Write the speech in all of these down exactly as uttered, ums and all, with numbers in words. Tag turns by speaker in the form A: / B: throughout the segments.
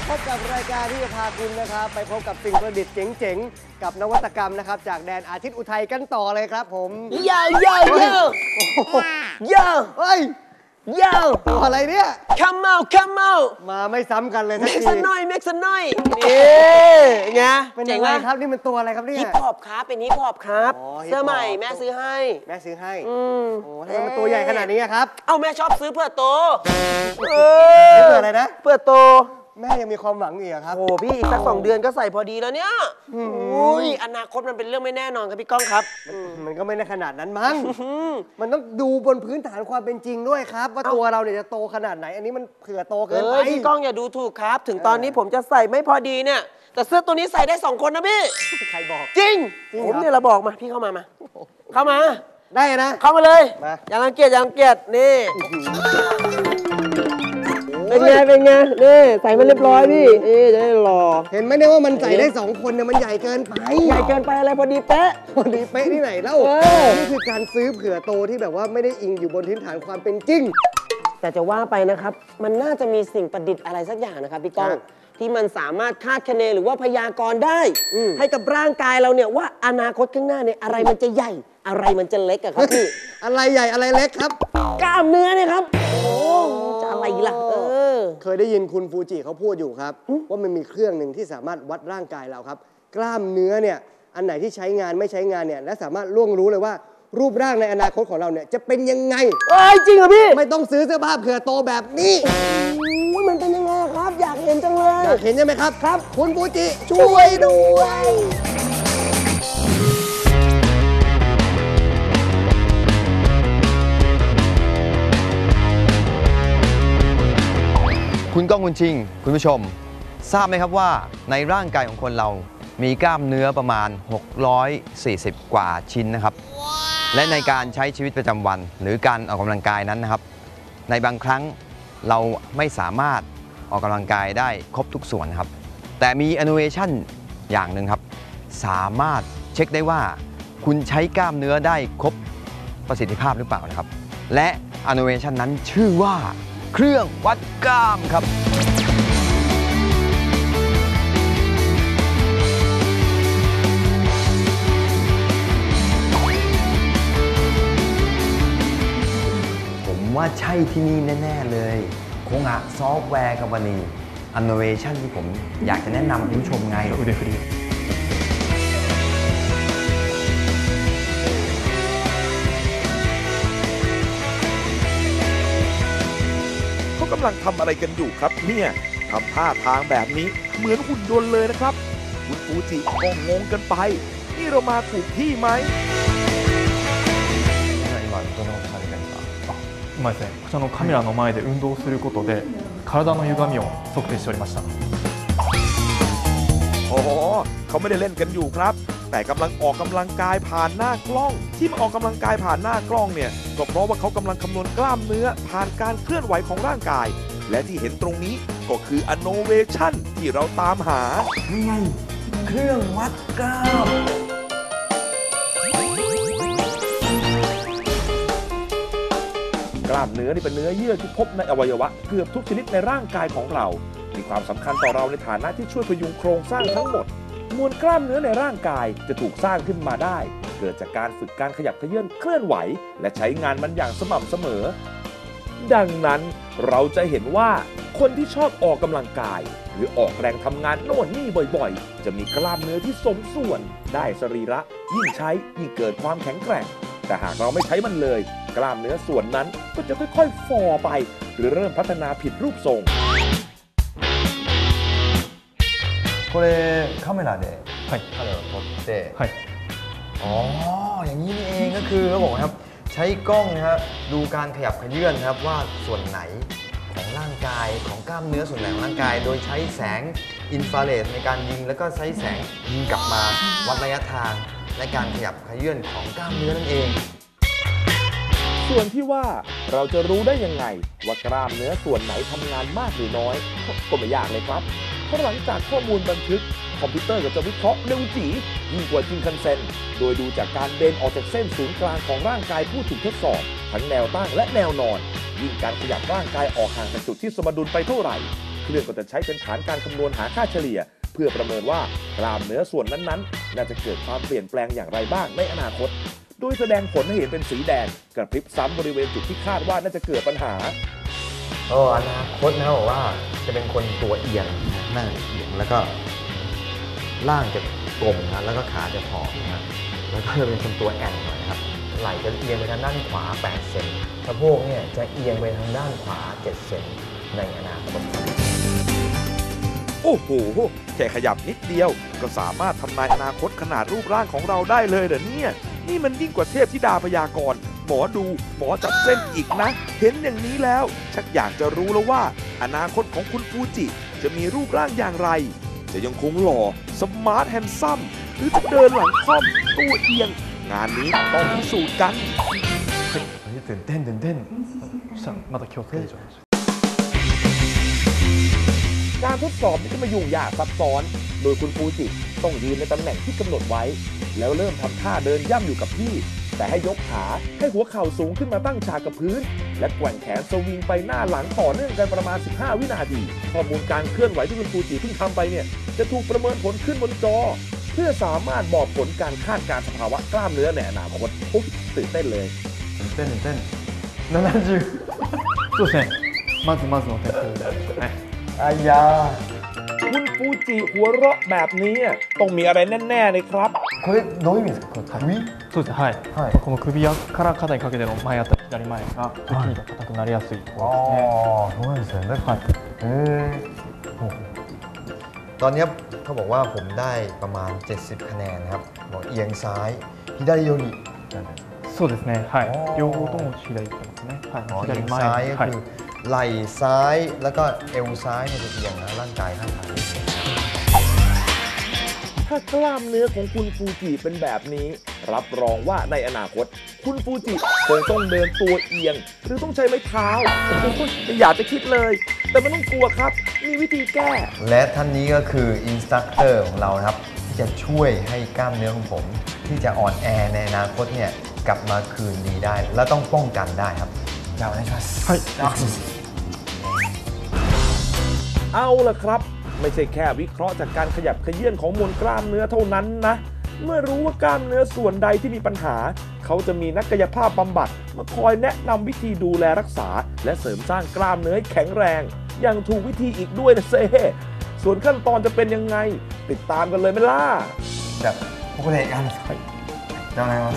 A: พบกับรายการที่จะพาคุณนะครับไปพบกับสิ่งประดิษฐ์เจ๋งๆกับนวัตกรรมนะครับจากแดนอาทิตย์อุทัยกันต่อเลยครับผม
B: เยอะเยอะเยอะเยอะ
A: เฮ้ย
B: เยอะ
A: ตัวอะไรเนี่ย
B: come out come out
A: มาไม่ซ้ำกันเลยทั
B: นที เมกซ์น้อยเมกซ์น้อยนี่ไง
A: เป็นยังไงครับนี่มันตัวอะไรครับเนี่ย
B: ฮิปฮอปครับเป็นฮิปฮอปครับเสื้อใหม่แม่ซื้อให้
A: แม่ซื้อให้อืมโอ้ทำไมมันตัวใหญ่ขนาดนี้ครับ
B: เอ้าแม่ชอบซื้อเพื่อโต
A: เออเพื่ออะไรนะ
B: เพื่อโต
A: แม่ยังมีความหวังอีกครับ
B: โอ้พี่อีกสักสองเดือนก็ใส่พอดีแล้วเนี่ยอุ้ยอนาคตมันเป็นเรื่องไม่แน่นอนครับพี่ก้องครับ
A: มันก็ไม่ได้ขนาดนั้นมั้งมันต้องดูบนพื้นฐานความเป็นจริงด้วยครับว่าตัวเราเนี่ยจะโตขนาดไหนอันนี้มันเผื่อโตเกินไป
B: พี่ก้องอย่าดูถูกครับถึงตอนนี้ผมจะใส่ไม่พอดีเนี่ยแต่เสื้อตัวนี้ใส่ได้สองคนนะพี่
A: ใครบอก
B: จริงผมเนี่ยเราบอกมาพี่เข้ามามาเข้ามา
A: ได้นะ
B: เข้ามาเลยอย่ารังเกียจอย่ารังเกียจนี่เป็นไงเป็นไงนี่ใส่มันเรียบร้อยพี่เอ๊จะได้รอ
A: เห็นไหมเนี่ยว่ามันใส่ได้สองคนเนี่ยมันใหญ่เกินไป
B: ใหญ่เกินไปอะไรพอดีเป๊ะ
A: พอดีเป๊ะที่ไหนเล่านี่คือการซื้อเผื่อโตที่แบบว่าไม่ได้อิงอยู่บนพื้นฐานความเป็นจริง
B: แต่จะว่าไปนะครับมันน่าจะมีสิ่งประดิษฐ์อะไรสักอย่างนะครับพี่ก้องที่มันสามารถคาดคะเนหรือว่าพยากรณ์ได้ให้กับร่างกายเราเนี่ยว่าอนาคตข้างหน้าเนี่ยอะไรมันจะใหญ่อะไรมันจะเล็กอะครับพี่
A: อะไรใหญ่อะไรเล็กครับ
B: กล้ามเนื้อเนี่ยครับโอ้จะอะไรล่ะเออ
A: เคยได้ยินคุณฟูจิเขาพูดอยู่ครับว่ามันมีเครื่องหนึ่งที่สามารถวัดร่างกายเราครับกล้ามเนื้อเนี่ยอันไหนที่ใช้งานไม่ใช้งานเนี่ยและสามารถล่วงรู้เลยว่ารูปร่างในอนาคตของเราเนี่ยจะเป็นยังไง
B: เอ้ยจริงเหรอพี่
A: ไม่ต้องซื้อเสื้อผ้าเผื่อโตแบบนี้
B: โอ้ยมันเป็นยังไงครับอยากเห็นจังเลย
A: อยากเห็นใช่ไหมครับ
B: ครับ
A: คุณฟูจิช่วยด้วย
C: คุณก้องคุณชิงคุณผู้ชมทราบไหมครับว่าในร่างกายของคนเรามีกล้ามเนื้อประมาณหกร้อยสี่สิบกว่าชิ้นนะครับ wow. และในการใช้ชีวิตประจำวันหรือการออกกำลังกายนั้นนะครับในบางครั้งเราไม่สามารถออกกำลังกายได้ครบทุกส่วนครับแต่มี innovation อย่างหนึ่งครับสามารถเช็คได้ว่าคุณใช้กล้ามเนื้อได้ครบประสิทธิภาพหรือเปล่านะครับและ innovation นั้นชื่อว่าเครื่องวัดกล้ามครับผมว่าใช่ที่นี่แน่ๆเลยคงอะซอฟต์แวร์กัมพานี Innovation ที่ผมอยากจะแนะนำคุณผู้ชมไงอุดฟรี
D: กำลังทำอะไรกันอยู่ครับเนี่ยทำท่าทางแบบนี้เหมือนหุ่นยนต์เลยนะครับคุณฟูจิก็งงกันไปนี่เรามาถูกที่ไหม
E: 今ですね、こちらのカメラの前で運動することで体の歪みを測定しておりました
D: โอ้เขาไม่ได้เล่นกันอยู่ครับแต่กำลังออกกำลังกายผ่านหน้ากล้องที่มาออกกำลังกายผ่านหน้ากล้องเนี่ยก็เพราะว่าเขากำลังคำนวณกล้ามเนื้อผ่านการเคลื่อนไหวของร่างกายและที่เห็นตรงนี้ก็คือ Innovation ที่เราตามหา
C: นี่ไงเครื่องวัดกล้าม
D: กล้ามเนื้อนี่เป็นเนื้อเยื่อที่พบในอวัยวะเกือบทุกชนิดในร่างกายของเรามีความสำคัญต่อเราในฐานะที่ช่วยพยุงโครงสร้างทั้งหมดมวลกล้ามเนื้อในร่างกายจะถูกสร้างขึ้นมาได้เกิดจากการฝึกการขยับเขยื้อนเคลื่อนไหวและใช้งานมันอย่างสม่ำเสมอดังนั้นเราจะเห็นว่าคนที่ชอบออกกำลังกายหรือออกแรงทำงานโน่นนี่บ่อยๆจะมีกล้ามเนื้อที่สมส่วนได้สรีระยิ่งใช้ยิ่งเกิดความแข็งแกร่งแต่หากเราไม่ใช้มันเลยกล้ามเนื้อส่วนนั้นก็จะค่อยๆฝ่อไปหรือเริ่มพัฒนาผิดรูปทรง
C: これカメラでカメラを撮ってอ๋ออย่างนี้นี่เองก็คือเขาบอกครับใช้กล้องนะครับดูการขยับเขยื้อนครับว่าส่วนไหนของร่างกายของกล้ามเนื้อส่วนไหนของร่างกายโดยใช้แสงอินฟราเรดในการยิงแล้วก็ใช้แสงยิงกลับมาวัดระยะทางในการขยับเขยื้อนของกล้ามเนื้อนั่นเอง
D: ส่วนที่ว่าเราจะรู้ได้ยังไงว่ากล้ามเนื้อส่วนไหนทำงานมากหรือน้อยก็ไม่ยากเลยครับเพราะหลังจากข้อมูลบันทึกคอมพิวเตอร์ก็จะวิเคราะห์เร็วจี๋ยิ่งกว่าชินคันเซ็นโดยดูจากการเบนออกจากเส้นศูนย์กลางของร่างกายผู้ถูกทดสอบทั้งแนวตั้งและแนวนอนยิ่งการขยับร่างกายออกห่างจากจุดที่สมดุลไปเท่าไหร่เครื่องก็จะใช้เป็นฐานการคำนวณหาค่าเฉลี่ยเพื่อประเมินว่ากล้ามเนื้อส่วนนั้นๆน่าจะเกิดความเปลี่ยนแปลงอย่างไรบ้างในอนาคตโดยแสดงผลให้เห็นเป็นสีแดงกระพริบซ้ำบริเวณจุดที่คาดว่าน่าจะเกิดปัญหา
C: โอ้อนาคตนะบอกว่าจะเป็นคนตัวเอียงหน้าเอียงแล้วก็ร่างจะกลมนะแล้วก็ขาจะผอมนะแล้วก็จะเป็นคนตัวแอนหน่อยนะครับไหล่จะเอียงไปทางด้านขวาแปดเซนสะโพกเนี่ยจะเอียงไปทางด้านขวาเจ็ดเซนในอนาคต
D: โอ้โหแค่ขยับนิดเดียวก็สามารถทำนายอนาคตขนาดรูปร่างของเราได้เลยเหรอเนี่ยนี่มันยิ่งกว่าเทพธิดาพยากรณ์หมอดูหมอจับเส้นอีกนะเห็นอย่างนี้แล้วชักอยากจะรู้แล้วว่าอนาคตของคุณฟูจิจะมีรูปร่างอย่างไรจะยังคงหล่อสมาร์ทแฮนซัมหรือจะเดินหลังค่อมตัวเอียงงานนี้ต้องพิสูจน์กัน
C: ตื่นเต้นตื่นเต้น
E: また気をつけてちょっと
D: การทดสอบนี่ก็มายุ่งยากซับซ้อนโดยคุณฟูจิต้องยืนในตำแหน่งที่กำหนดไว้แล้วเริ่มทำท่าเดินย่ำอยู่กับที่แต่ให้ยกขาให้หัวเข่าสูงขึ้นมาตั้งฉากกับพื้นและแกว่งแขนสวิงไปหน้าหลังต่อเนื่องกันประมาณสิบห้าวินาทีข้อมูลการเคลื่อนไหวที่คุณฟูจิเพิ่งทำไปเนี่ยจะถูกประเมินผลขึ้นบนจอเพื่อสามารถบอกผลการคาดการณ์สภาวะกล้ามเนื้อในอนาคตอุ๊ยตื่นเต้นเลย
C: ตื่นเต้นตื่นเต้น
E: ななじゅうそうですねまずまずの点数ですね
C: อายา
D: คุณฟูจิหัวเราะแบบนี้ต้องมีอะไรแน่ๆเลยครับ
C: これどういう意味ですか首
E: そうですはい、はい、この首から肩にかけての前あたり左前が筋肉が硬くなりやすいところですね
C: ああそうなんですよねはいへえตอนนี้เขาบอกว่าผมได้ประมาณเจ็ดสิบคะแนนครับบอกเอียงซ้าย左寄り
E: そうですねはい両方とも左行ってますねはい左前
C: ซ้ายก็คือไหล่ซ้ายแล้วก็เอวซ้ายเนี่ยจะเอียงนะร่างกายข้างซ้าย
D: ถ้ากล้ามเนื้อของคุณฟูจิเป็นแบบนี้รับรองว่าในอนาคตคุณฟูจิคงต้องเดินตัวเอียงหรือต้องใช้ไม้เท้าไม่อยากจะคิดเลยแต่ไม่ต้องกลัวครับมีวิธีแก้
C: และท่านนี้ก็คืออินสตรัคเตอร์ของเราครับที่จะช่วยให้กล้ามเนื้อของผมที่จะอ่อนแอในอนาคตเนี่ยกลับมาคืนดีได้และต้องป้องกันได้ครับยาวนะครั
E: บ
D: เอาล่ะครับไม่ใช่แค่วิเคราะห์จากการขยับเขยื้อนของมวลกล้ามเนื้อเท่านั้นนะเมื่อรู้ว่ากล้ามเนื้อส่วนใดที่มีปัญหาเขาจะมีนักกายภาพบำบัดมาคอยแนะนำวิธีดูแลรักษาและเสริมสร้างกล้ามเนื้อให้แข็งแรงอย่างถูกวิธีอีกด้วยนะเซ่ส่วนขั้นตอนจะเป็นยังไงติดตามกันเลยไหมล่ะ
C: じゃあここでやるんですか。じゃあお願いします。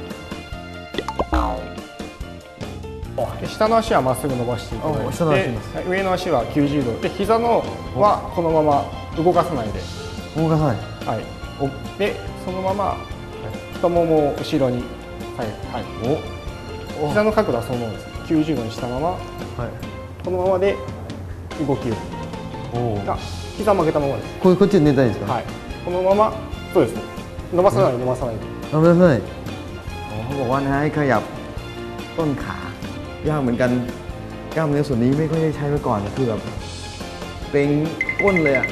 E: 下の足はまっすぐ伸ばしていただいて、上の足はきゅうじゅうどで、膝のはこのまま動かさないで。
C: 動かさない。
E: はい。で、そのまま太ももを後ろに。はい。はい。お。膝の角度はそのままです。きゅうじゅうどにしたまま。はい。このままで動きを。お。が膝曲げたままです。
C: ここっちで寝たいですか。
E: はい。このままそうですね。伸ばさない伸ばさない。
C: 伸ばさない。เขาบอกว่าให้ขยับต้นขายากเหมือนกันกล้ามเนื้อส่วนนี้ไม่ค่อยได้ใช้มาก่อนคือแบบเป็นก้นเลยอ่ะ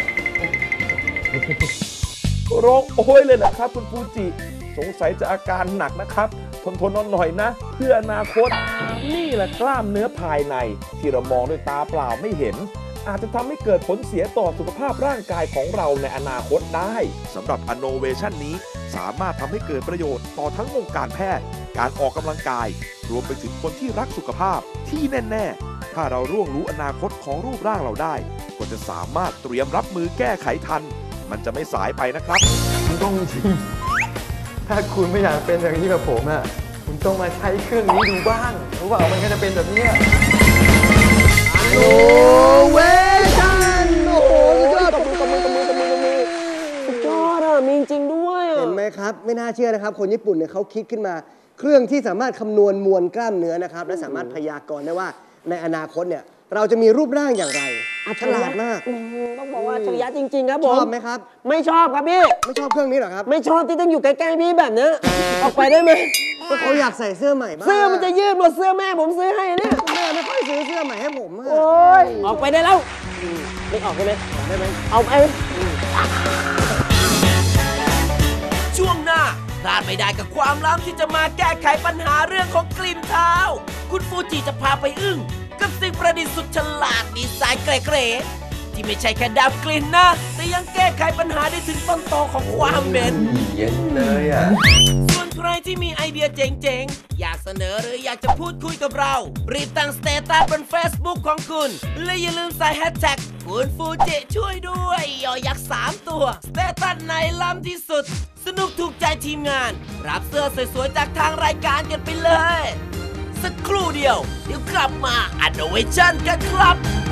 D: ร้องโอ้ยเลยนะครับคุณฟูจิสงสัยจะอาการหนักนะครับทนทนนอนหน่อยนะเพื่ออนาคตนี่แหละกล้ามเนื้อภายในที่เรามองด้วยตาเปล่าไม่เห็นอาจจะทำให้เกิดผลเสียต่อสุขภาพร่างกายของเราในอนาคตได้สำหรับ Innovation นี้สามารถทำให้เกิดประโยชน์ต่อทั้งวงการแพทย์การออกกำลังกายรวมไปถึงคนที่รักสุขภาพที่แน่ๆถ้าเราร่วงรู้อนาคตของรูปร่างเราได้ก็จะสามารถเตรียมรับมือแก้ไขทันมันจะไม่สายไปนะครับ
C: คุณต้องจริงถ้าคุณไม่อยากเป็นอย่างนี้แบบผมอ่ะคุณต้องมาใช้เครื่องนี้ดูบ้างเพราะว่ามันก็จะเป็นแบบนี้
A: โอ้เวชันโอ้โหสุดยอดตบมือตบมือตบมือตบมือตบมือ
B: สุดยอดอ่ะมีจริงด้วย
A: เห็นไหมครับไม่น่าเชื่อนะครับคนญี่ปุ่นเนี่ยเขาคิดขึ้นมาเครื่องที่สามารถคำนวณมวลกล้ามเนื้อนะครับและสามารถพยากรณ์ได้ว่าในอนาคตเนี่ยเราจะมีรูปร่างอย่างไรฉลาดมาก
B: ต้องบอกว่าอัจฉริยะจริงๆครับผม
A: ชอบไหมครับ
B: ไม่ชอบครับพี่
A: ไม่ชอบเครื่องนี้หรอครับ
B: ไม่ชอบที่ต้องอยู่ใกล้ๆพี่แบบนี้ออกไปได้ไหม
A: ก็เขาอยากใส่เสื้อใหม่บ้าง
B: เสื้อมันจะยืดหมดเสื้อแม่ผมซื้อให้เนี่ย
A: แม่ไม่ค่อยซื้อเสื้อใหม่ให้ผม
B: โอ้ยออกไปได้แล้วไม่ออกได้ไหมได้ไหมเอาไป
F: ช่วงหน้าพลาดไม่ได้กับความล้ำที่จะมาแก้ไขปัญหาเรื่องของกลิ่นเท้าคุณฟูจิจะพาไปอึ้งกับกับสิ่งประดิษฐ์สุดฉลาดดีไซน์เก๋ๆที่ไม่ใช่แค่ดับกลิ่นนะ แต่ยังแก้ไขปัญหาได้ถึงต้นตอของความเหม็น
C: เย็นเลยอ่ะ
F: ส่วนใครที่มีไอเดียเจ๋งๆ อยากเสนอหรืออยากจะพูดคุยกับเรา รีบตั้งสเตตัสบน Facebook ของคุณ และอย่าลืมใส่แฮชแท็กคุณฟูจิช่วยด้วยยอยักษ์สามตัวสเตตัสไหนล้ำที่สุด สนุกถูกใจทีมงาน รับเสื้อสวยๆ จากทางรายการกันไปเลย สักครู่เดียว เดี๋ยวกลับมา Innovation กันครับ